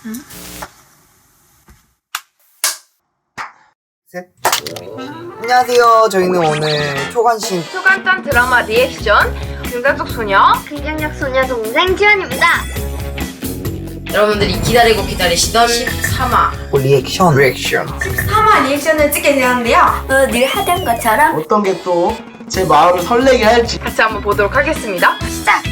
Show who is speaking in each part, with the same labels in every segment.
Speaker 1: 셋. 안녕하세요. 저희는 오늘 초간신
Speaker 2: 초간단 드라마 리액션 등단속 소녀
Speaker 3: 긍정력 소녀 동생 지연입니다.
Speaker 4: 여러분들이 기다리시던 13화
Speaker 1: 리액션
Speaker 2: 3화 리액션을 찍게 되었는데요.
Speaker 3: 늘 하던 것처럼
Speaker 5: 어떤 게 또 제 마음을 설레게 할지.
Speaker 2: 같이 한번 보도록 하겠습니다.
Speaker 3: 시작.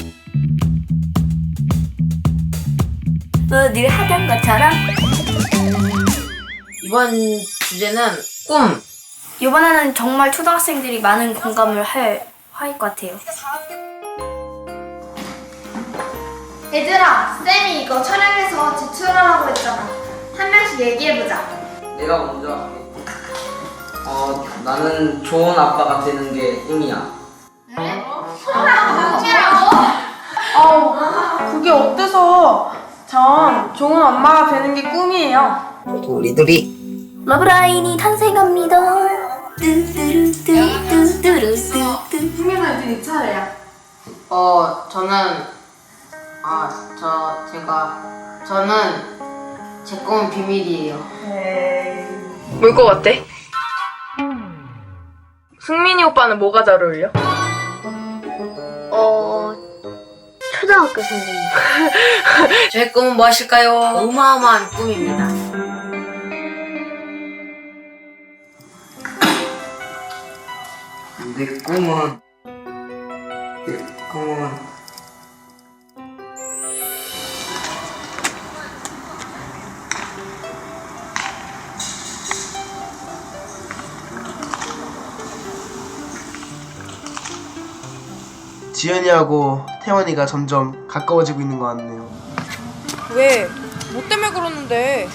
Speaker 3: 늘 하던 것처럼
Speaker 4: 이번 주제는 꿈.
Speaker 3: 이번에는 정말 초등학생들이 많은 공감을 할 화일 것 같아요.
Speaker 6: 얘들아, 쌤이 이거 촬영해서 제출하라고 했잖아. 한 명씩 얘기해보자.
Speaker 7: 내가 먼저 할게. 나는 좋은 아빠가 되는 게 꿈이야.
Speaker 2: 그게 어때서? 전 좋은 엄마가 되는 게 꿈이에요.
Speaker 1: 우리들이
Speaker 3: 러브라인이 탄생합니다. 뚜뚜루뚜뚜뚜루뚜뚜.
Speaker 2: 승민아 이제 네 차례야.
Speaker 4: 저는 제 꿈은 비밀이에요.
Speaker 2: 뭘 것 같아? 승민이 오빠는 뭐가 잘 어울려?
Speaker 3: 초등학교 선생님.
Speaker 4: 저의 꿈은 무엇일까요? 어마어마한 꿈입니다.
Speaker 7: 내 꿈은
Speaker 5: 지연이하고 태원이가 점점 가까워지고 있는 것 같네요.
Speaker 2: 왜? 뭐 때문에 그러는데?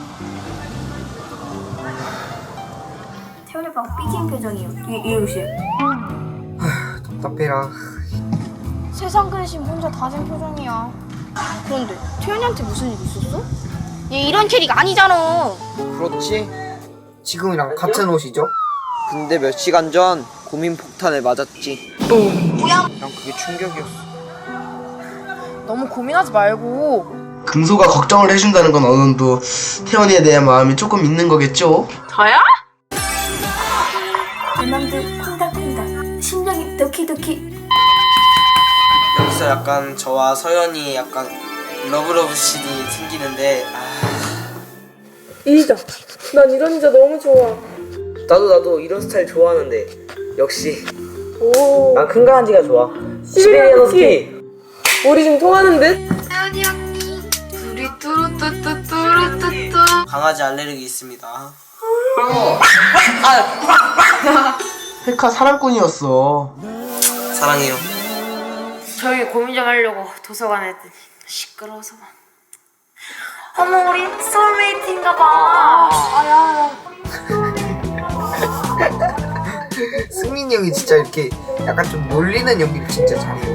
Speaker 3: 태훈이 오빠가 삐진 표정이에요. 이웃이.
Speaker 1: 답답해라.
Speaker 6: 세상 근심 혼자 다진 표정이야. 그런데 태연이한테 무슨 일 있었어? 얘 이런 캐릭 아니잖아.
Speaker 1: 그렇지? 지금이랑 같은 옷이죠?
Speaker 7: 근데 몇 시간 전 고민 폭탄을 맞았지.
Speaker 1: 난 그게 충격이었어.
Speaker 2: 너무 고민하지 말고.
Speaker 5: 금소가 걱정을 해준다는 건 어느 정도 태원이에 대한 마음이 조금 있는 거겠죠?
Speaker 2: 저야?
Speaker 3: 내 맘도 콩닥콩닥. 심장이 도키도키.
Speaker 7: 여기서 약간 저와 서연이 약간 러브러브 씬이 생기는데
Speaker 2: 이자. 난 이런 이자 너무 좋아.
Speaker 7: 나도 이런 스타일 좋아하는데 역시
Speaker 2: 오.
Speaker 7: 난 큰 강아지가 좋아.
Speaker 2: 시베리안
Speaker 7: 허스키.
Speaker 2: 우리 지금 통하는 듯?
Speaker 6: 태연이 언니.
Speaker 2: 둘이 뚜루뚜뚜뚜루뚜뚜.
Speaker 7: 강아지 알레르기 있습니다.
Speaker 5: 헬카 사랑꾼이었어.
Speaker 7: 사랑해요.
Speaker 4: 저희 고민 좀 하려고 도서관에 했더니 시끄러워서만.
Speaker 3: 어머 우리 소울메이트인가봐.
Speaker 1: 승민이 형이 진짜 이렇게 약간 좀 놀리는 연기를 진짜 잘해요.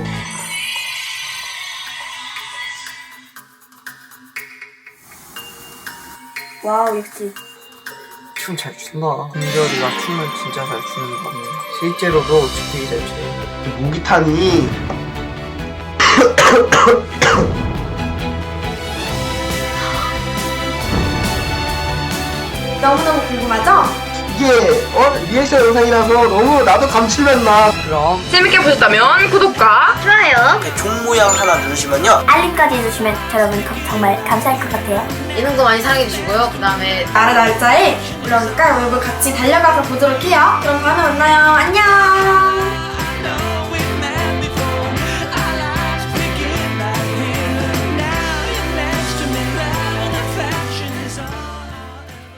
Speaker 3: 와우 역시.
Speaker 1: 춤 잘 춘다. 금별이가 춤을 진짜 잘 추는 것 같네. 실제로도 되게 잘 춰요.
Speaker 5: 모기탄이
Speaker 6: 너무너무 궁금하죠?
Speaker 5: 이게 리액션 영상이라서 너무 나도 감칠맛 나.
Speaker 1: 그럼
Speaker 2: 재밌게 보셨다면 구독과
Speaker 6: 좋아요.
Speaker 7: 종 모양 하나 누르시면요.
Speaker 3: 알림까지 해주시면 여러분 정말 감사할 것 같아요.
Speaker 4: 예능도 많이 사랑해주시고요. 그 다음에
Speaker 6: 나라 날짜에 올라오니까 여러분 같이 달려가서 보도록 해요. 그럼 다음에 만나요. 안녕.